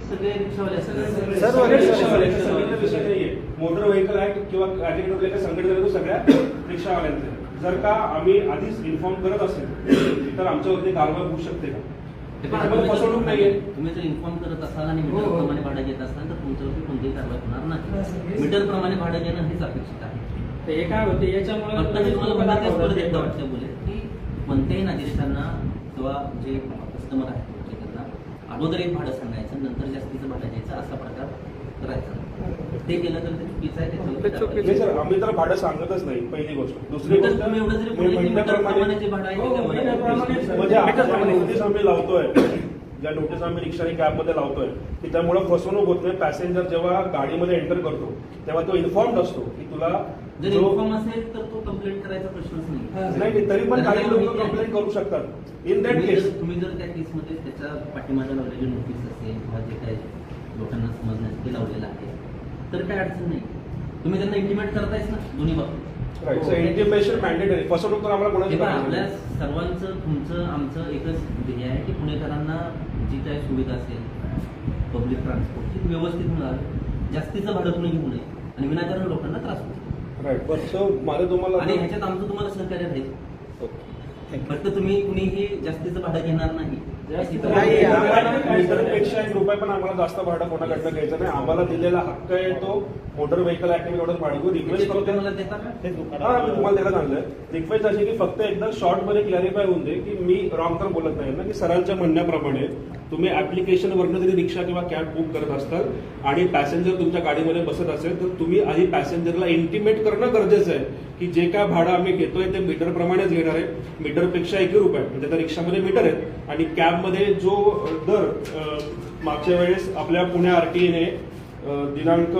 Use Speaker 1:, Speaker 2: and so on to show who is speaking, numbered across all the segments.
Speaker 1: सगळे रिक्षावाले असतात.
Speaker 2: सर्व रिक्षावाले विषय नाहीये. मोटर व्हेकल ऍक्ट किंवा कॅटेगरी संघटना तो सगळ्या रिक्षावाल्यांचे. जर का आम्ही आधीच इन्फॉर्म करत असेल तर आमच्यावरती कारवाई होऊ शकते का? त्याच्यामध्ये फसवणूक नाहीये.
Speaker 1: तुम्ही जर इन्फॉर्म करत असाल आणि मीटर प्रमाणे भाडं घेत असाल तर तुमच्यावरती कोणतीही कारवाई होणार नाही. मीटर प्रमाणे भाडं घेणं हेच अपेक्षित आहे.
Speaker 3: हे काय होते याच्यामुळे
Speaker 1: एकदा वाटतं बोले की कोणत्याही नागरिकांना किंवा जे कस्टमर आहेत त्यांना अगोदर एक भाडं सांगायचं नंतर जास्तीचं भाडं घ्यायचं असा प्रकार करायचा. ते केलं तर ते चुकीचं आहे.
Speaker 2: नाही सर, आम्ही तर भाडं सांगतच नाही पहिली गोष्ट. दुसरी गोष्ट
Speaker 1: तुम्ही एवढं जरी बोलले की मीटर प्रमाणे जे भाडं आहे
Speaker 2: म्हणजे नोटीस आम्ही लावतोय, ज्या नोटीस आम्ही रिक्षा आणि कॅबमध्ये लावतोय की त्यामुळे फसवणूक होत नाही. पॅसेंजर जेव्हा गाडीमध्ये एंटर करतो तेव्हा तो इन्फॉर्म्ड असतो की तुला
Speaker 1: जर इन्फॉर्म असेल तर तो कंप्लेंट करायचा प्रश्नच
Speaker 2: नाही. तरी पण काही लोक कंप्लेंट करू शकतात. इन दॅट केस
Speaker 1: तुम्ही जर त्या केसमध्ये त्याच्या पाठीमागे लावलेली नोटीस असेल किंवा जे काही लोकांना समजण्यासाठी लावलेलं आहे तर काय अडचण नाही. तुम्ही त्यांना इंटिमेट करतायच ना दोन्ही बाबतीत.
Speaker 2: Intimation mandatory. फसवणूक तर आम्हाला कोणाची
Speaker 1: आपल्या सर्वांचं तुमचं आमचं एकच ध्येय आहे की पुणेकरांना जी काही सुविधा असेल पब्लिक ट्रान्सपोर्ट ती व्यवस्थित होणार, जास्तीचं भाडं कुणी घेऊ नये आणि विनाकारण लोकांना त्रास होतो.
Speaker 2: राईट. बट सो मला तुम्हाला
Speaker 1: आणि ह्याच्यात आमचं तुम्हाला सहकार्य राहील. फक्त तुम्ही कुणीही जास्तीचं भाडं घेणार नाही.
Speaker 2: मीटरपेक्षा एक रुपये पण आम्हाला जास्त भाडं कोणाकडनं घ्यायचं नाही. आम्हाला दिलेला हक्क आहे तो मोटर व्हेकल ऍक्ट एवढंच भाडं. रिक्वेस्ट करतो
Speaker 1: मला देता का?
Speaker 2: मी तुम्हाला त्याला सांगलंय. रिक्वेस्ट अशी की फक्त एकदा शॉर्ट मध्ये क्लॅरिफाय होऊन दे की मी रॉंग तर बोलत नाही ना, की सरांच्या म्हणण्याप्रमाणे तुम्ही ऍप्लिकेशनवरनं जरी रिक्षा किंवा कॅब बुक करत असताल आणि पॅसेंजर तुमच्या गाडीमध्ये बसत असेल तर तुम्ही आधी पॅसेंजरला इंटिमेट करणं गरजेचं आहे की जे काय भाडं आम्ही घेतोय ते मीटर प्रमाणेच घेणार आहे. मीटरपेक्षा 1 रुपये म्हणजे त्या रिक्षामध्ये मीटर आहेत आणि कॅबमध्ये जो दर मागच्या वेळेस आपल्या पुणे आरटीएने दिनांक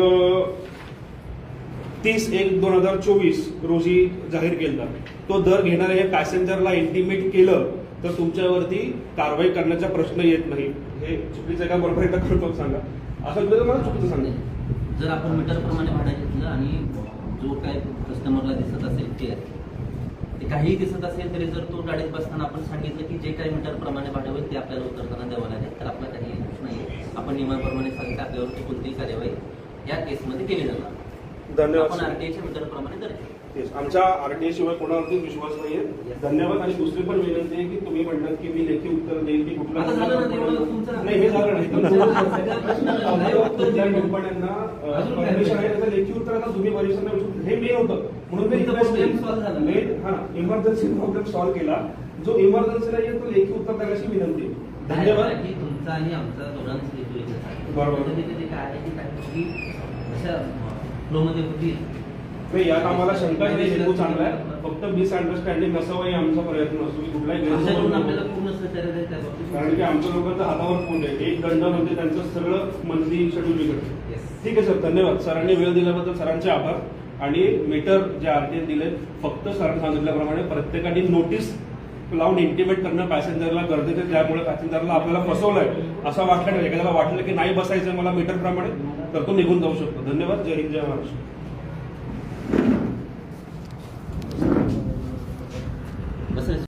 Speaker 2: 30/1/2024 रोजी जाहीर केला तो दर घेणारे हे पॅसेंजरला इंटिमेट केलं तर तुमच्यावरती कारवाई करण्याचा प्रश्न येत नाही. हे चुकीचं आहे का बरोबर एकदा करतो सांगा. असं तुला मला चुकीचं सांगा.
Speaker 1: जर आपण मीटर प्रमाणे भाडं घेतलं आणि जो काय कस्टमरला दिसत असेल ते काहीही दिसत असेल तरी जर तो गाडीत बसताना आपण सांगितलं की जे काही मीटर प्रमाणे भाडं होईल ते आपल्याला उतरताना द्यावं लागेल तर आपला काही दोष नाही. आपण नियमाप्रमाणे सांगितलं आपल्यावरती कोणतीही कार्यवाही या केसमध्ये केली जाणार.
Speaker 2: धन्यवाद.
Speaker 1: आपण आरटीआयच्या मीटर प्रमाणे दर
Speaker 2: आमच्या आरटीआय शिवाय कोणावरती विश्वास नाहीये. धन्यवाद. आणि दुसरी पण विनंती आहे की तुम्ही म्हणतात की मी लेखी उत्तर देईल की कुठला नाही हे झालं नाही. कंपन्यांना परमिशन आहे त्याचं लेखी उत्तर आता तुम्ही परिसरांना हे मेन होतं म्हणून मी इमर्जन्सी प्रॉब्लेम सॉल्व्ह केला. जो इमर्जन्सीला येईल तो लेखी उत्तर देण्याची विनंती. धन्यवाद.
Speaker 1: तुमचा आणि आमचा दोघांचं
Speaker 2: बरोबर
Speaker 1: काय आहे की अशा फ्लोमध्ये होती
Speaker 2: नाही. यात आम्हाला शंका नाही. हेतू चांगला आहे. फक्त मिसअंडरस्टँडिंग नसावं आमचा प्रयत्न असतो की कुठलाही
Speaker 1: आपल्याला पूर्ण सहकार्य देईल.
Speaker 2: कारण की आमच्या लोकांचं हातावर पोट आहे. एक दंड म्हणजे त्यांचं सगळं मंथली शेड्यूल बिघडतं. ठीक आहे सर, धन्यवाद. सरांनी वेळ दिल्याबद्दल सरांचे आभार. आणि मीटर जे आरटीए दिले फक्त सरांनी सांगितल्याप्रमाणे प्रत्येकाने नोटीस लावून इंटिमेट करणं पॅसेंजरला गरजेचं आहे. त्यामुळे पॅसेंजरला आपल्याला फसवलंय असं वाटलं, एखाद्याला वाटलं की नाही बसायचं मला मीटर प्रमाणे तर तो निघून जाऊ शकतो. धन्यवाद. जय हिंद, जय महाराष्ट्र.